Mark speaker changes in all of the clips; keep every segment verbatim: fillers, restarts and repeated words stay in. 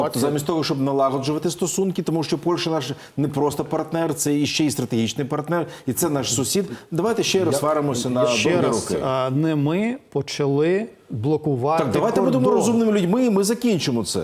Speaker 1: Тобто замість того, щоб налагоджувати стосунки, тому що Польща наш не просто партнер, це і ще й стратегічний партнер, і це наш сусід. Давайте ще раз сваримося на
Speaker 2: Ще
Speaker 1: довгі
Speaker 2: раз,
Speaker 1: роки.
Speaker 2: а, не ми почали блокувати
Speaker 1: Так, давайте
Speaker 2: кордон.
Speaker 1: будемо розумними людьми, і ми закінчимо це.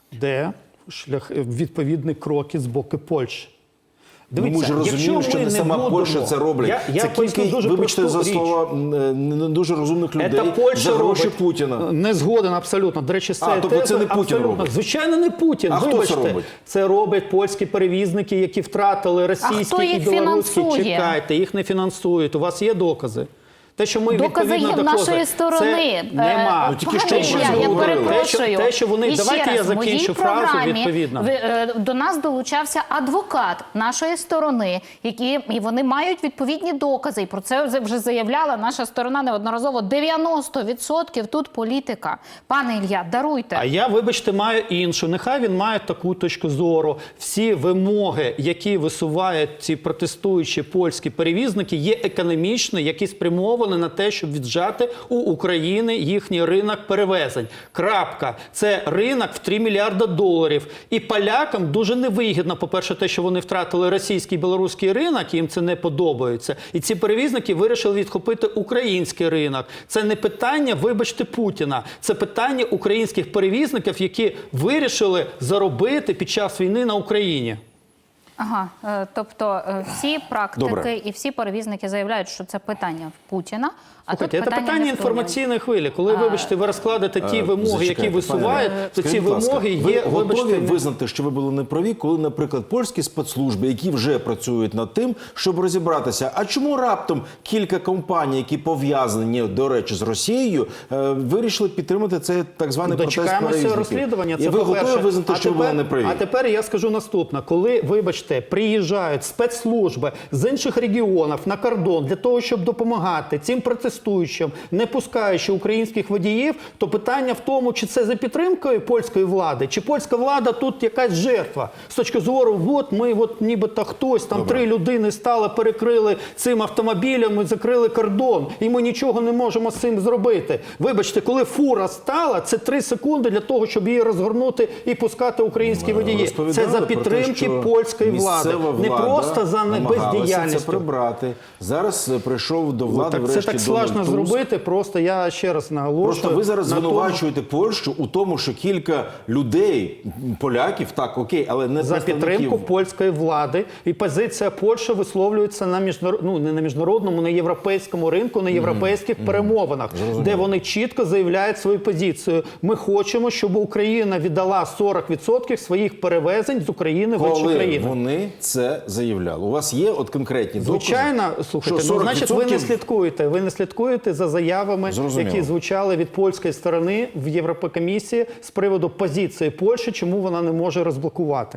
Speaker 2: Де шлях, відповідні кроки з боку Польщі.
Speaker 1: Ну, ми ж розуміємо, що не сама
Speaker 2: будемо,
Speaker 1: Польща це роблять.
Speaker 2: Я, я
Speaker 1: це кілька,
Speaker 2: дуже
Speaker 1: вибачте за
Speaker 2: річ.
Speaker 1: слова, не дуже розумних людей
Speaker 2: Це Польща
Speaker 1: за гроші
Speaker 2: робить.
Speaker 1: Путіна.
Speaker 2: Не згоден абсолютно. До речі, це
Speaker 1: А, тобто це не Путін
Speaker 2: абсолютно.
Speaker 1: робить?
Speaker 2: Звичайно, не Путін.
Speaker 1: А хто це
Speaker 2: Вибачте,
Speaker 1: робить?
Speaker 2: Це роблять польські перевізники, які втратили російські і білоруські.
Speaker 3: Фінансує?
Speaker 2: Чекайте, їх не фінансують. У вас є докази? Те, що ми
Speaker 3: докази є
Speaker 2: відповідно
Speaker 3: в
Speaker 2: до
Speaker 3: нашої сторони.
Speaker 2: Це нема.
Speaker 1: Ну, тільки
Speaker 3: Пане
Speaker 1: що
Speaker 3: Ілля,
Speaker 1: ми
Speaker 3: я
Speaker 1: говорили.
Speaker 3: перепрошую.
Speaker 2: Те, що, те, що вони...
Speaker 3: І ще
Speaker 2: Давайте
Speaker 3: раз,
Speaker 2: я закінчу
Speaker 3: в
Speaker 2: фразу
Speaker 3: програмі
Speaker 2: відповідно.
Speaker 3: ви, е, до нас долучався адвокат нашої сторони, які, і вони мають відповідні докази. І про це вже заявляла наша сторона неодноразово. дев'яносто відсотків тут політика. Пане Ілля, даруйте.
Speaker 2: А я, вибачте, маю іншу. Нехай він має таку точку зору. Всі вимоги, які висувають ці протестуючі польські перевізники, є економічні, які спрямовані на те, щоб віджати у України їхній ринок перевезень. Крапка. Це ринок в три мільярда доларів. І полякам дуже невигідно, по-перше, те, що вони втратили російський і білоруський ринок, їм це не подобається. І ці перевізники вирішили відхопити український ринок. Це не питання, вибачте, Путіна. Це питання українських перевізників, які вирішили заробити під час війни на Україні.
Speaker 3: Ага, е, тобто е, всі практики
Speaker 1: Добре.
Speaker 3: і всі перевізники заявляють, що це питання Путіна. А
Speaker 2: Слухайте,
Speaker 3: тут
Speaker 2: це
Speaker 3: питання,
Speaker 2: питання
Speaker 3: не в Кремлі.
Speaker 2: інформаційної хвилі. Коли, вибачте, ви розкладете ті
Speaker 1: Е,
Speaker 2: вимоги,
Speaker 1: зачекайте,
Speaker 2: які висувають,
Speaker 1: пане,
Speaker 2: то ці
Speaker 1: скажіть, будь ласка,
Speaker 2: вимоги є,
Speaker 1: ви готові
Speaker 2: вибачте, не-
Speaker 1: визнати, що ви були неправі, коли, наприклад, польські спецслужби, які вже працюють над тим, щоб розібратися, а чому раптом кілька компаній, які пов'язані, до речі, з Росією, е, вирішили підтримати цей так званий протест
Speaker 2: Дочекаємося
Speaker 1: перевізників?
Speaker 2: розслідування. Це
Speaker 1: І ви
Speaker 2: по-перше.
Speaker 1: готові визнати,
Speaker 2: А
Speaker 1: що ви
Speaker 2: тепер-
Speaker 1: були неправі?
Speaker 2: А тепер я скажу наступне. Коли, вибачте, приїжджають спецслужби з інших регіонів на кордон для того, щоб допомагати цим протестуючим, не пускаючи українських водіїв, то питання в тому, чи це за підтримкою польської влади, чи польська влада тут якась жертва. З точки зору, от ми, от нібито хтось, там
Speaker 1: Добре.
Speaker 2: три людини стали, перекрили цим автомобілем і закрили кордон, і ми нічого не можемо з цим зробити. Вибачте, коли фура стала, це три секунди для того, щоб її розгорнути і пускати українські водії. Це
Speaker 1: Розповідали
Speaker 2: за
Speaker 1: про те,
Speaker 2: підтримки
Speaker 1: що
Speaker 2: польської влади.
Speaker 1: місцева
Speaker 2: Не
Speaker 1: влада
Speaker 2: просто за
Speaker 1: намагалася це
Speaker 2: бездіяльністю.
Speaker 1: прибрати. Зараз е, прийшов до влади
Speaker 2: Так, це
Speaker 1: врешті
Speaker 2: так
Speaker 1: Дональд
Speaker 2: складно
Speaker 1: Туск.
Speaker 2: зробити, просто я ще раз наголошую.
Speaker 1: Просто ви зараз
Speaker 2: на тому-
Speaker 1: звинувачуєте Польщу у тому, що кілька людей, поляків, так, окей, але не
Speaker 2: За підтримку
Speaker 1: представників.
Speaker 2: польської влади. І позиція Польщі висловлюється на міжнарод... ну, не на міжнародному, на європейському ринку, на європейських перемовинах, де вони чітко заявляють свою позицію. Ми хочемо, щоб Україна віддала сорок відсотків своїх перевезень з України в інші
Speaker 1: Коли
Speaker 2: країни.
Speaker 1: вони це заявляли? У вас є от конкретні докази?
Speaker 2: Звичайно, слухайте,
Speaker 1: що
Speaker 2: ну, значить, ви не
Speaker 1: сорок відсотків
Speaker 2: слідкуєте. Ви не слідкуєте за заявами,
Speaker 1: Зрозуміло.
Speaker 2: які звучали від польської сторони в Єврокомісії з приводу позиції Польщі, чому вона не може розблокувати.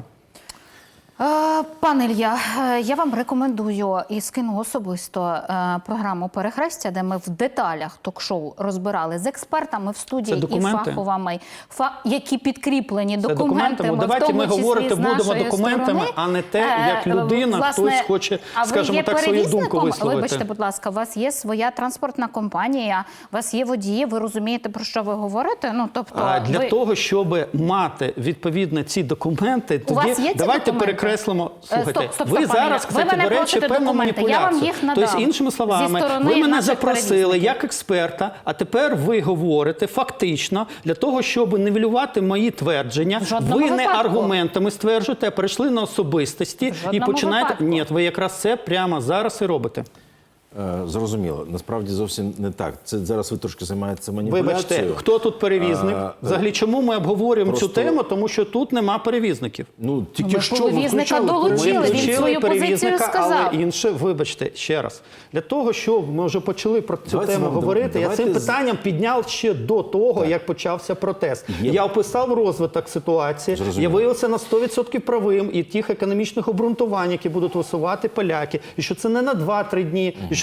Speaker 3: Е, Пане Ілля, е, я вам рекомендую і скину особисто е, програму «Перехрестя», де ми в деталях ток-шоу розбирали з експертами в студії
Speaker 2: Це
Speaker 3: і
Speaker 2: документи?
Speaker 3: фаховими, фа- які підкріплені
Speaker 2: Це
Speaker 3: документами,
Speaker 2: документами.
Speaker 3: в
Speaker 2: Давайте
Speaker 3: тому
Speaker 2: ми
Speaker 3: числі
Speaker 2: говорити
Speaker 3: з
Speaker 2: будемо
Speaker 3: нашої
Speaker 2: документами,
Speaker 3: сторони.
Speaker 2: а не те,
Speaker 3: Е,
Speaker 2: як людина,
Speaker 3: власне,
Speaker 2: хтось хоче,
Speaker 3: а ви
Speaker 2: скажімо
Speaker 3: є
Speaker 2: так, свою думку
Speaker 3: перевізником?
Speaker 2: висловити.
Speaker 3: Вибачте, будь ласка, у вас є своя транспортна компанія, у вас є водії, ви розумієте, про що ви говорите? Ну, тобто,
Speaker 2: А для
Speaker 3: ви...
Speaker 2: того, щоб мати відповідно ці документи,
Speaker 3: У вас
Speaker 2: тоді
Speaker 3: є ці
Speaker 2: давайте
Speaker 3: документи?
Speaker 2: перекреслимо.
Speaker 3: Е,
Speaker 2: Слухайте,
Speaker 3: стоп, стоп,
Speaker 2: ви
Speaker 3: стоп, пане
Speaker 2: зараз,
Speaker 3: Ілля.
Speaker 2: кстати,
Speaker 3: Ви мене
Speaker 2: до речі,
Speaker 3: просите
Speaker 2: певну
Speaker 3: документи, я
Speaker 2: маніпуляцію.
Speaker 3: вам їх надам.
Speaker 2: Тобто, іншими
Speaker 3: Зі
Speaker 2: словами,
Speaker 3: сторони
Speaker 2: ви мене
Speaker 3: наших
Speaker 2: запросили
Speaker 3: перевізників.
Speaker 2: як експерта, а тепер ви говорите фактично для того, щоб нівелювати мої твердження.
Speaker 3: В жодному
Speaker 2: Ви не
Speaker 3: випадку.
Speaker 2: аргументами стверджуєте, а перейшли на особистості
Speaker 3: В
Speaker 2: і
Speaker 3: жодному
Speaker 2: починаєте.
Speaker 3: випадку.
Speaker 2: Ні, ви якраз це прямо зараз і робите.
Speaker 1: Е, Зрозуміло. Насправді зовсім не так. Це зараз ви трошки займаєтеся маніпуляцією.
Speaker 2: Вибачте, хто тут перевізник?
Speaker 1: А,
Speaker 2: Взагалі, чому ми обговорюємо
Speaker 1: просто-
Speaker 2: цю тему? Тому що тут нема перевізників.
Speaker 1: Ну, тільки
Speaker 3: Ми
Speaker 1: що
Speaker 3: перевізника
Speaker 1: ви
Speaker 3: долучили.
Speaker 1: включали
Speaker 3: Він
Speaker 1: перевізник.
Speaker 3: свою позицію
Speaker 2: перевізника,
Speaker 3: сказав.
Speaker 2: але інше, вибачте, ще раз. Для того, щоб ми вже почали про цю
Speaker 1: Давайте
Speaker 2: тему
Speaker 1: вам-
Speaker 2: говорити,
Speaker 1: давайте
Speaker 2: я цим
Speaker 1: з-
Speaker 2: питанням підняв ще до того, як почався протест.
Speaker 1: Є.
Speaker 2: Я описав розвиток ситуації,
Speaker 1: Зрозуміло.
Speaker 2: я виявився на сто відсотків правим і тих економічних обґрунтувань, які будуть висувати поляки, і що це не на два-три дні, і що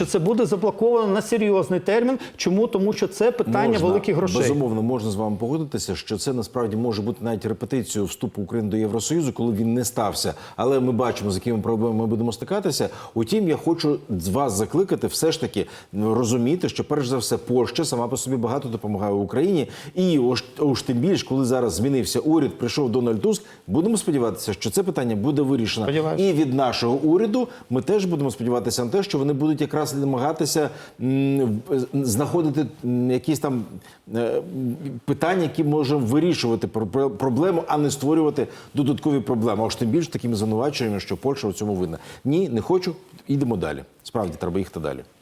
Speaker 2: що це буде заблоковано на серйозний термін. Чому? Тому що це питання
Speaker 1: Можна,
Speaker 2: великих грошей.
Speaker 1: Безумовно, можна з вами погодитися, що це насправді може бути навіть репетицією вступу України до Євросоюзу, коли він не стався. Але ми бачимо, з якими проблемами ми будемо стикатися. Утім, я хочу з вас закликати все ж таки розуміти, що перш за все Польща сама по собі багато допомагає Україні. І уж, уж тим більш, коли зараз змінився уряд, прийшов Дональд Туск, будемо сподіватися, що це питання буде вирішено.
Speaker 2: Сподіваюся.
Speaker 1: І від нашого уряду ми теж будемо сподіватися на те, що вони будуть якраз намагатися м, знаходити м, якісь там е, питання, які можемо вирішувати про- про- проблему, а не створювати додаткові проблеми. А ж тим більш такими звинуваченнями, що Польща у цьому винна. Ні, не хочу, йдемо далі. Справді, треба їхати далі.